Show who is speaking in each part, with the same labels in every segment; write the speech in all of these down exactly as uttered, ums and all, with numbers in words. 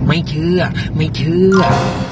Speaker 1: ไม่เชื่อไม่เชื่อ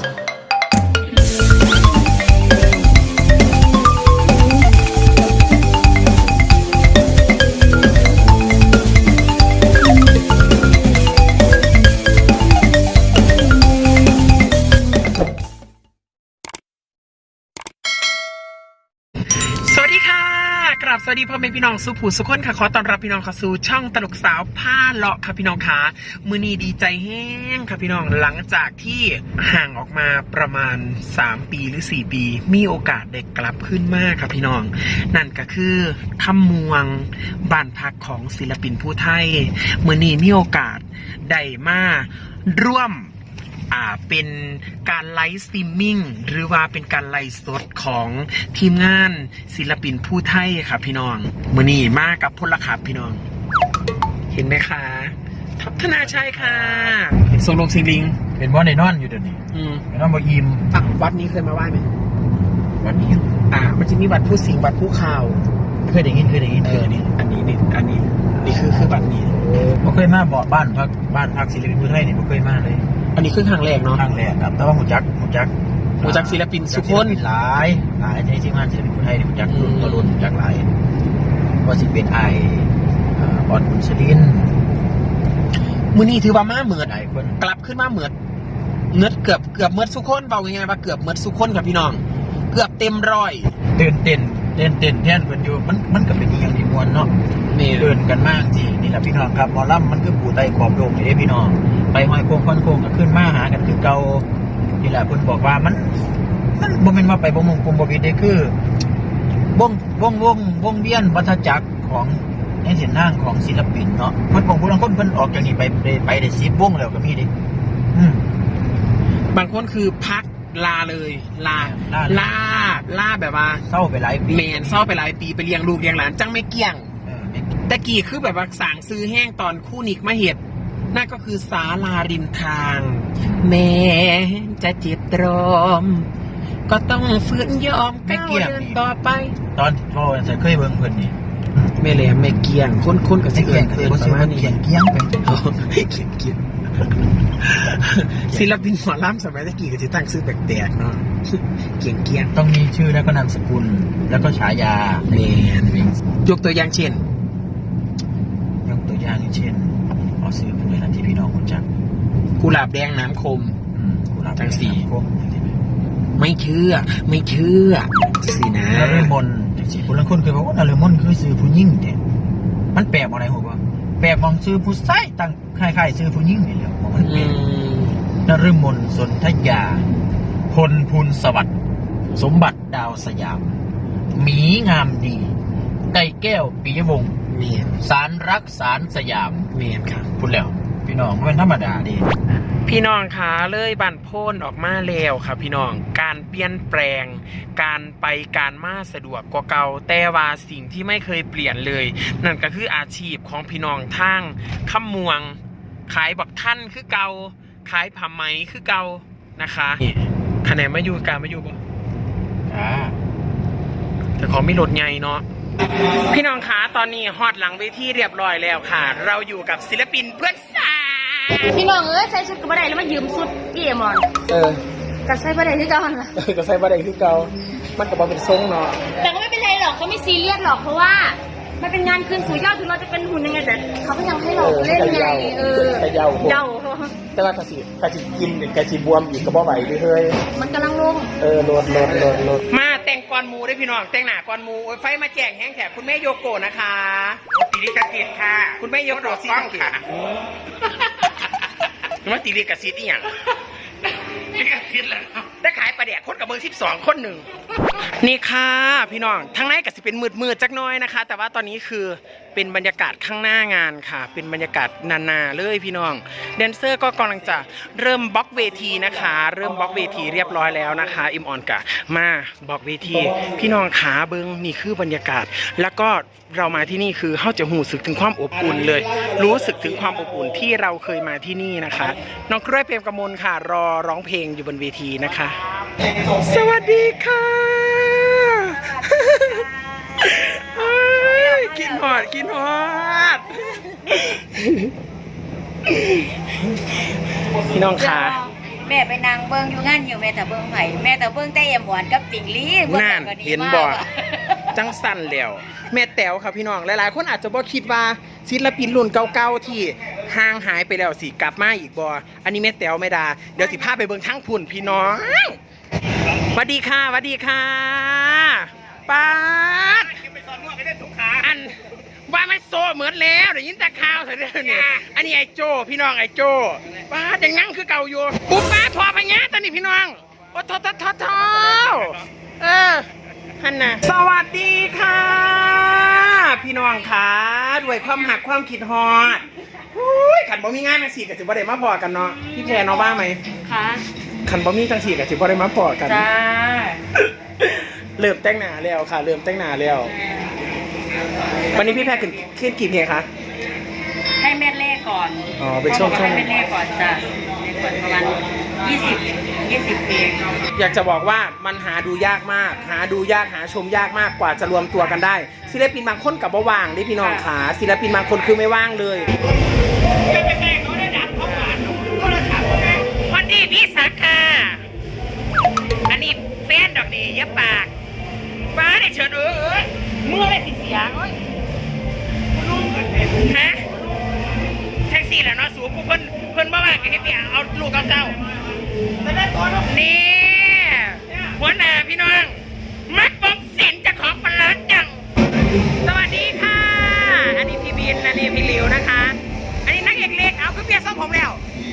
Speaker 1: สวัสดีค่ะกราบสวัสดีพ่อแม่พี่น้องสุภูสุขคนค่ะขอต้อนรับพี่น้องเข้าสู่ช่องตลกสาวผ้าเลาะค่ะพี่น้องค่ะมือนี้ดีใจแห้งค่ะพี่น้องหลังจากที่ห่างออกมาประมาณสามปีหรือสี่ปีมีโอกาสได้กลับขึ้นมากค่ะพี่น้องนั่นก็คือถ้ำมวงบ้านพักของศิลปินผู้ไทยมือนี้มีโอกาสได้มาร่วมอ่าเป็นการไลฟ์สตรีมมิ่งหรือว่าเป็นการไลฟ์สดของทีมงานศิลปินผู้ไทยครับพี่น้องมือนี้มากับพลขับพี่น้องเห็นไหมคะทัพธนาชัยค่ะส่งลงสิงลิง
Speaker 2: เป็นว่าในนอนอยู่เดี๋ยวนี้
Speaker 1: อืม
Speaker 2: นอนบ่อิ่ม
Speaker 1: อ่ะวัดนี้เคยมาไหว้ไหม
Speaker 2: วัดนี้
Speaker 1: อ่ามันจะมีวัดผู้สิงห์วัดผู้ข่าว
Speaker 2: เคยได้ยินเคยได้ยิน
Speaker 1: เออนี่อันนี้นี่อันนี้นี่คือคือวัดนี้
Speaker 2: บ่เคยมาบ่บ้านพักบ้านพักศิลปินผู้ไทยนี่บ่เคยมาเลย
Speaker 1: อันนี้คือครั้งแรกเนาะ
Speaker 2: ครั้งแรกครับแต่ว่าหูจักหูจัก
Speaker 1: หูจักศิลปินสุคน
Speaker 2: หลายหลายในทีมงานศิลปินผู้ไทยนี่หูจักรุ่นต่อรุ่นหูจักหลายว่าสิเป็นไอ้บอลบุญชลิน
Speaker 1: มื้อนี้ถือว่ามาเหมือด
Speaker 2: หลายคน
Speaker 1: กลับขึ้นมาเหมือดเงือดเกือบเกือบเมือดสุคนเบายังไงว่าเกือบเมือดสุคนกับพี่น้องเกือบเต็มร้อย
Speaker 2: ตื่นเต้นเต้นเต้นแท่นเพิ่นอยู่มันมันก็เป็นอีกอย่างที่มวลเนาะเดินกันมากจริงนี่แหละพี่น้องครับหมอลำมันคือปู่ไตขอบโลกนี่เด้พี่น้องไปห้อยโค้งค่อนโค้งก็ขึ้นมาหากันคือเก่านี่แหละเพิ่นบอกว่ามันมันบ่แม่นว่าไปบ่มงกุมบ่ผิดเด้คือวงวงวงวงเวียนวัฏจักรของในเส้นทางของศิลปินเนาะเพิ่นบอกผู้ลางคนเพิ่นออกจากนี่ไปไปได้สิบวงแล้วก็มีเด้อืม
Speaker 1: บางคนคือพักลาเลยลาลาลาแบบว่า
Speaker 2: เศร้าไปหลายปี
Speaker 1: แมนเศร้าไปหลายปีไปเลี้ยงลูกเลี้ยงหลานจังไม่เกี่ยงตะกี้คือแบบว่าสางซื้อแห้งตอนคู่นิกมาเห็ดนั่นก็คือศาลาริมทางแม้จะเจ็บตรอมก็ต้องฝืนยอมก้าวเดินต่อไป
Speaker 2: ตอนพ่อจะเคยเบิ่งเพิ่นนี่
Speaker 1: ไม่แหลมไม่เกี่ยงคนคนกับสิเกี่ยงเกินประมาณนี้
Speaker 2: เกี่ยงเกี่ยงเป็น
Speaker 1: เกี่ยงเกี่ยงศิลปินหมอลำสมัยตะกี้ก็จะตั้งชื่อแปลกๆเนาะเกี่ยงเกี่ยง
Speaker 2: ต้องมีชื่อแล้วก็นามสกุลแล้วก็ฉายา
Speaker 1: แมนยกตัวอย่างเช่น
Speaker 2: ยกตัวอย่างเช่นเอาซื้อผู้ใดล่ะที่พี่น้องรู้จัก
Speaker 1: กุหลาบแดงน้ำคม
Speaker 2: กุหลาบ
Speaker 1: จังสี
Speaker 2: คม
Speaker 1: ไม่เชื่อไม่เชื่อสินะ
Speaker 2: นฤมลจังสีคนละคนเคยบอกว่านฤมลคือซื้อผู้หญิงเนี่ยมันแปลกอะไรหัวว่าแปลกมองซื้อผู้ชายตั้งคล้ายๆซื้อผู้หญิงนี่แหละมันเป็นนฤมลสนธยาพลพูนสวัสดิ์สมบัติดาวสยามหมีงามดีไก่แก้วปียวงศ์
Speaker 1: เมียน
Speaker 2: สารรักสารสยาม
Speaker 1: เมียนค่ะ
Speaker 2: พูดแล้วพี่น้องไม่ธรรมดาดี
Speaker 1: พี่น้องคะเลยบันโพ่นออกมาแล้วค่ะพี่น้องการเปลี่ยนแปลงการไปการมาสะดวกกว่าเก่าแต่ว่าสิ่งที่ไม่เคยเปลี่ยนเลยนั่นก็คืออาชีพของพี่น้องทางค่ำมวงขายบักท่านคือเก่าขายผ้าไหมคือเก่านะคะคะแนนไม่อยู่การไม่อยู่ป่ะ
Speaker 2: อ่า
Speaker 1: แต่ของไม่ลดไงเนาะพี่น้องคะตอนนี้ฮอตหลังเวทีเรียบร้อยแล้วค่ะเราอยู่กับศิลปินเพื่อนสาว
Speaker 3: พี่น้องเอ้ยใส่ชุดกระบะไดแล้วมายืมชุดพี่เอมอน
Speaker 1: เออ
Speaker 3: กับใส่กระบะไดที่เก่าล่ะ
Speaker 1: เออกับใส่กระบะไดที่เก่ามันกับเป็นทรงเนาะ
Speaker 3: แต่ก็ไม่เป็นไรหรอกเขาไม่ซีเรียสหรอกเพราะว่ามันเป็นงานคืนสู่ยอดถึงเราจะเป็นหุ่นยังไงแต่เขาก็ยังให้เราเล่นไงเออ
Speaker 1: เยา
Speaker 3: เยา
Speaker 1: แต่ว่ากะสิกะสิกินกะสิบวมอีกกระบะไหวด้วยเฮ้ย
Speaker 3: มันกำลังลง
Speaker 1: เออโลดโลดโลดโลดมาแต่งกรมูได้พี่น้องแต่งหน้ากรมูไฟมาแจงแห้งแถบคุณแม่โยโกะนะคะตีริกาซิดค่ะคุณแม่โยโกะซีค่ะว่าตีริกาซิดนี่อย่างตีริกาซิดเลยได้ขายปลาแดกคนกับเบอร์สิบสองคนหนึ่งนี่ค่ะพี่น้องทั้งในก็สิเป็นมืดมืดจักน้อยนะคะแต่ว่าตอนนี้คือเป็นบรรยากาศข้างหน้างานค่ะเป็นบรรยากาศนาๆเลยพี่น้องแดนเซอร์ก็กำลังจะเริ่มบล็อกเวทีนะคะเริ่มบล็อกเวทีเรียบร้อยแล้วนะคะอิมออนกะมาบล็อกเวทีพี่น้องขาเบิ้งนี่คือบรรยากาศแล้วก็เรามาที่นี่คือเขาจะหูสึกถึงความอบอุ่นเลยรู้สึกถึงความอบอุ่นที่เราเคยมาที่นี่นะคะน้องกล้วยเปรมกมลค่ะรอร้องเพลงอยู่บนเวทีนะคะสวัสดีค่ะกินหอดกินหอดพี่น้องขา
Speaker 4: แม่ไปนางเบิ้งอยู่งานอยู่แม่แต่เบิ้งไผ่แม่แต่เบิ้งแต่เอ็มหวานกับติ่งลี่
Speaker 1: นั่นเห็นบ่จังสั่นแล้วแม่แต๋วครับพี่น้องหลายๆคนอาจจะบ่คิดว่าศิลปินรุ่นเก่าๆที่ห่างหายไปแล้วสิกลับมาอีกบ่อันนี้แม่แต๋วไม่ดาเดี๋ยวสิพาไปเบิ่งทั้งพุ่นพี่น้องสวัสดีค่ะสวัสดีค่ะป๊าดอันว่ามันโซเหมือนแล้วเดี๋ยวยินแต่ข่าวเถอะเนี่ยอันนี้ไอ้โจพี่น้องไอ้โจป้าดยังนั่งคือเก่าอยู่ปุ๊บป้าทอพญาตอนนี้พี่น้องโอ้ทอทอทอทอเออฮันน่ะสวัสดีค่ะ พี่น้องค่ะด้วยความหักความคิดฮอดขันบ่มีงานจังสี่กับสิบ่ได้มาพอกันเนาะพี่แพรเนาะบ้าไหม
Speaker 3: ค่ะ
Speaker 1: ขันบ่มีจังสี่กับสิบ่ได้มาพอกัน
Speaker 3: จ้า
Speaker 1: เริ่มแต่งหน้าแล้วค่ะเริ่มแต่งหน้าแล้ววันนี้พี่แพรขึ้นขึ้นกี่เพลงคะ
Speaker 4: ให้แม่เล่ก่อน
Speaker 1: อ๋อเป็นช่วงช่วง
Speaker 4: ให้แม่เล่ก่อนจ้ะประมาณยี่สิบยี่สิบเพลง
Speaker 1: อยากจะบอกว่ามันหาดูยากมากหาดูยากหาชมยากมากกว่าจะรวมตัวกันได้ศิลปินบางคนกับบ่ว่างได้พี่น้องขาศิลปินบางคนคือไม่ว่างเลยวันนี้พี่สักค่ะอันนี้แฟนดอกดีเยอะปากป้าได้เชิญเออเออเมื่อไรสิเสียเอ้ยฮะแท็กซี่แหละเนาะสูบเพิ่นเพิ่นบ่ว่างให้พี่เอาลูกเอาเจ้านี่หัวหน้าพี่น้องมัดปมเส้นจะของปลาจังสวัสดีค่ะอันนี้พี่บินอันนี้พี่หลิวนะคะอันนี้นักเอกเล็กเอาคือเปียส้มผมแล้ว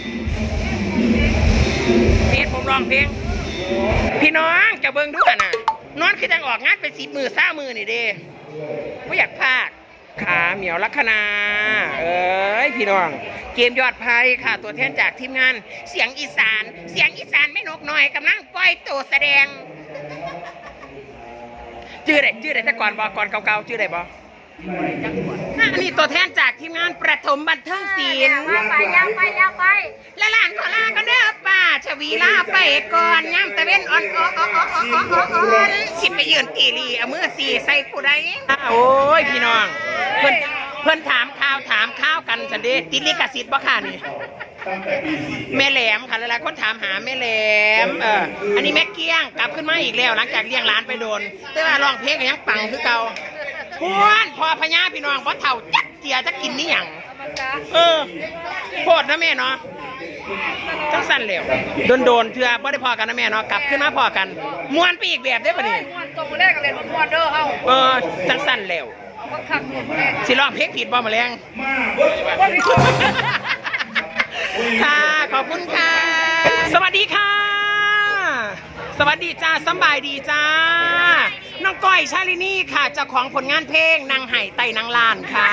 Speaker 1: เปียผมร้องเพลงพี่น้องจะเบิ่งดูกันนะนอนคือจังออกงานเป็นสิบมือซ่ามือนี่เด้ไม่อยากพากขาเหมียวลัคนาเอ้ยพี่น้องเกมยอดภัยค่ะตัวแทนจากทีมงานเสียงอีสานเสียงอีสานไม่นกหน่อยกำลังปล่อยตัวแสดงชื่อไหนชื่อไหนแต่ก่อนบอกก่อนเก่าๆชื่อไหนบอกนี่ตัวแทนจากทีมงานประถมบันเทิงศิลป์
Speaker 3: ยาวไปยาวไปยาวไป
Speaker 1: และหลานขอลาก็เด้อป้าชวีลาไปก่อนย่ำตะเว้นอ่อนอ่อนอ่อนอ่อนอ่อนอ่อนสิไปยืนตีรีเอามือสี่ใส่ผู้ใดโอ้ยพี่น้องเพื่อนเพื่อนถามข้าวถามข้าวกันสันเดติลิกสิทธิ์บ่ค่ะนี่แม่แหลมค่ะหลายๆคนถามหาแม่แหลมเอออันนี้แม่เกี้ยงกลับขึ้นมาอีกแล้วหลังจากเลี้ยงหลานไปโดนแต่ว่าร้องเพลงก็ยังปังคือเก่าพวนพอพญาพี่น้องเพราะเถ่าจักเจียจะกินนี่หยังเออโพดนะแม่เนาะจังสั้นเร็วโดนโดนเถื่อบ่ได้พอกันนะแม่เนาะกลับขึ้นมาพอกันม้วนไปอีกแบบได้ปะนี่
Speaker 3: ม้วนตัวมือแรกกันเลยม้วนเด้อเฮา
Speaker 1: เออจังสั้นเร็ว
Speaker 3: ขักหนุนแรก
Speaker 1: สิร้องเพลงผิดบ่มาแรงค่ะขอบคุณค่ะสวัสดีค่ะสวัสดีจ้าสบายดีจ้าน้องก้อยชาลินีค่ะเจ้าของผลงานเพลงนางไห่ไต่นางลานค่ะ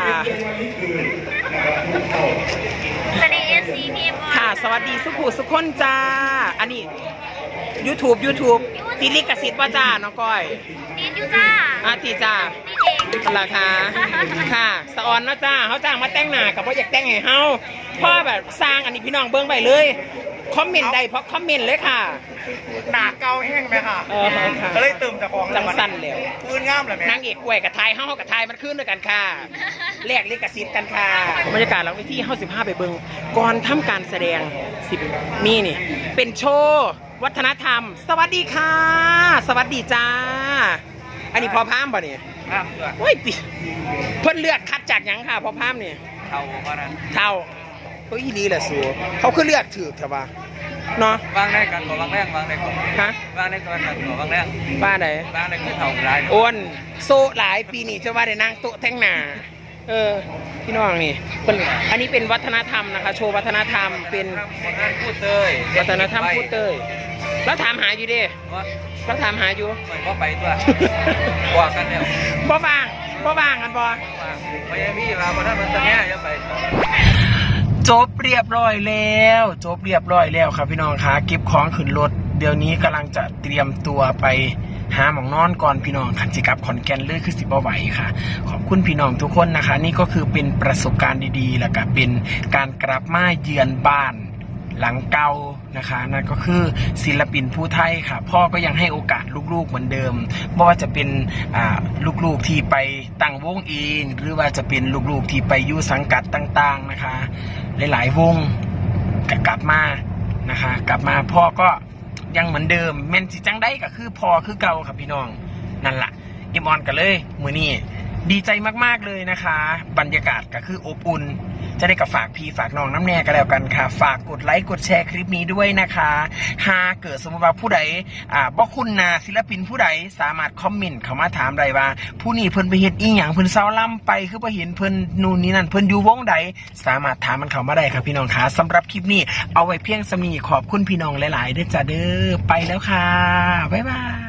Speaker 3: สวัสดีเอฟซีนี่พ่อ
Speaker 1: ค่ะสวัสดีสุภูสุขคนจ้าอันนี้ YouTube YouTube ติลิกสิทธิ์ว่าจ้าน้องก้อย
Speaker 3: ติดอยู่จ้า
Speaker 1: อาตีจ้า
Speaker 3: ติดเอง
Speaker 1: ราคาค่ะสะออนนะจ้าเขาจ้างมาแต่งหน้ากับว่าอยากแต่งให้เฮาพ่อแบบสร้างอันนี้พี่น้องเบิ้งไปเลยคอมเมนต์ใดเพราะคอมเมนต์เลยค่ะหนาเกาแห้งไหมค่ะเออค่ะก็เลยเติมแต่ของจังสั้นแล้วพื้นงามเลยไหมนางเอกกล้วยกับไทยเฮากับไทยมันขึ้นด้วยกันค่ะแลกลิขสิทธิ์กันค่ะบรรยากาศหลังเวทีเฮาสิบห้าไปเบิ้งก่อนทำการแสดงสิบมีนี่เป็นโชว์วัฒนธรรมสวัสดีค่ะสวัสดีจ้าอันนี้พอพามป่ะเนี่ยครับโอ้ยติเพิ่นเลือกคัดจากหยังค่ะพอพามเนี่ยเท่าเพราะนั้นเท่าเขาอีลีแหละสูเขาคือเลือกถือเถอะวะเนาะ
Speaker 5: วางได้กันบ่วางแรงวางได้ก่อน
Speaker 1: ฮะ
Speaker 5: วางได้ก่อนกันบ่วางแรง
Speaker 1: บ้านไหน
Speaker 5: วางได้คือเท่าหลาย
Speaker 1: อ้วนโซหลายปีนี่จะว่าได้นั่งโต๊ะแท่งหนาเออพี่น้องนี่เป็นอันนี้เป็นวัฒนธรรมนะคะ โชว์วัฒนธรรมเป็น
Speaker 5: คนนั้นพูดเตย
Speaker 1: วัฒนธรรมพูดเตยแล้วถามหาอยู่ดิ
Speaker 5: ว่า
Speaker 1: แล้วถามหาอยู่
Speaker 5: บ่ไปตัวว่ากันแล้ว
Speaker 1: บ่บางบ่บางกันบ่
Speaker 5: ไม่ใช่พี่ว่าบ่ทันมันจะแง่อย่าไป
Speaker 1: จบเรียบร้อยแล้วจบเรียบร้อยแล้วครับพี่น้องคะเก็บของขึ้นรถเดี๋ยวนี้กำลังจะเตรียมตัวไปหาหมองนอนก่อนพี่น้องคันจิกับขอนแก่นเลยคือสิบ่ไหวค่ะขอบคุณพี่น้องทุกคนนะคะ นี่ก็คือเป็นประสบการณ์ดีๆแล้วก็เป็นการกลับมาเยือนบ้านหลังเก่านะคะนั่นก็คือศิลปินผู้ไทยค่ะพ่อก็ยังให้โอกาสลูกๆเหมือนเดิมไม่ว่าจะเป็นลูกๆที่ไปตั้งวงเองหรือว่าจะเป็นลูกๆที่ไปอยู่สังกัดต่างๆนะคะหลายๆวงก็กลับมานะคะ กลับมาพ่อก็ยังเหมือนเดิมแม่นสิจังได้ก็คือพ่อคือเก่าครับพี่น้องนั่นแหละเอ็มออนกันเลยมือนี้ดีใจมากๆเลยนะคะ บรรยากาศก็คืออบอุ่นจะได้กับฝากพี่ฝากน้องน้ำแน่กันแล้วกันค่ะฝากกดไลค์กดแชร์คลิปนี้ด้วยนะคะหากเกิดสมมติว่าผู้ใดอ่าบ่คุณนาศิลปินผู้ใดสามารถคอมเมนต์เข้ามาถามได้ว่าผู้นี้เพิ่นไปเฮ็ดอีหยังเพิ่นเศร้าล่ำไปคือบ่เห็นเพิ่นนู่นนี่นั่นเพิ่นอยู่วงใดสามารถถามมันเข้ามาได้ครับพี่น้องค่ะสำหรับคลิปนี้เอาไว้เพียงสำนี้ขอบคุณพี่น้องหลายๆเด้อจ้าเด้อไปแล้วค่ะบ๊ายบาย